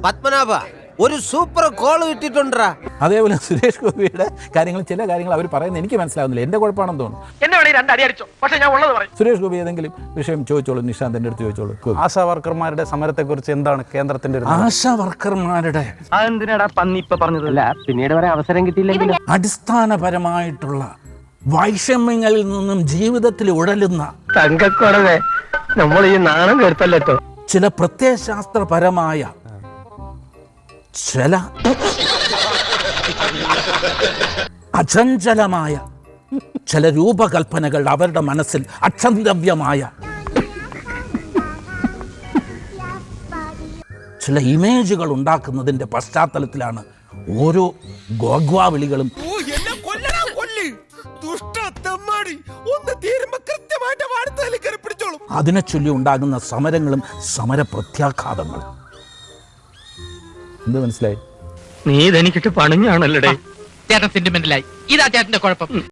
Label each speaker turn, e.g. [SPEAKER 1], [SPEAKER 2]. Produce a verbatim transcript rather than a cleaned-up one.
[SPEAKER 1] പത്മനാഭ ഒരു super call കിട്ടിട്ടുണ്ടാ.
[SPEAKER 2] അതേപോലെ സുരേഷ് ഗോപിയുടെ കാര്യങ്ങൾ ചില കാര്യങ്ങൾ അവർ പറയുന്നത് എനിക്ക് മനസ്സിലാവുന്നില്ല. എന്റെ കുഴപ്പമാണെന്ന് തോന്നുന്നു. സുരേഷ് ഗോപി ഏതെങ്കിലും വിഷയം ചോദിച്ചോളൂ, നിഷാന്തിന്റെ അടുത്ത് ചോദിച്ചോളൂ.
[SPEAKER 3] ആശാ വർക്കർമാരുടെ സമരത്തെ കുറിച്ച് എന്താണ് കേന്ദ്രത്തിന്റെ ഒരു
[SPEAKER 2] ആശാ വർക്കർമാരുടെ
[SPEAKER 4] അതെന്തിനാടാ പന്നി ഇപ്പൊ പറഞ്ഞതല്ല, പിന്നീട് വരെ അവസരം കിട്ടിയില്ലെങ്കിൽ
[SPEAKER 2] അടിസ്ഥാനപരമായിട്ടുള്ള വൈഷമ്യങ്ങളിൽ നിന്നും ജീവിതത്തിൽ ഉഴലുന്ന
[SPEAKER 4] തങ്കക്കുറവേ നമ്മൾ ഈ നാണം കേട്ടല്ലോ.
[SPEAKER 2] ചില പ്രത്യയശാസ്ത്രപരമായ ചില അചഞ്ചലമായ ചില രൂപകൽപ്പനകൾ അവരുടെ മനസ്സിൽ അക്ഷന്തവ്യമായ ചില ഇമേജുകൾ ഉണ്ടാക്കുന്നതിന്റെ പശ്ചാത്തലത്തിലാണ് ഓരോ ഗോഗ്വാവിളികളും. അതിനെ ചൊല്ലി ഉണ്ടാകുന്ന സമരങ്ങളും സമര പ്രത്യാഘാതങ്ങളും. എന്ത് മനസ്സിലായി?
[SPEAKER 4] നീ ഇതെനിക്കിട്ട് പണിഞ്ഞാണല്ലേ
[SPEAKER 5] ചേട്ടൻ സെന്റിമെന്റലായി. ഇതാ ചേട്ടന്റെ കുഴപ്പം.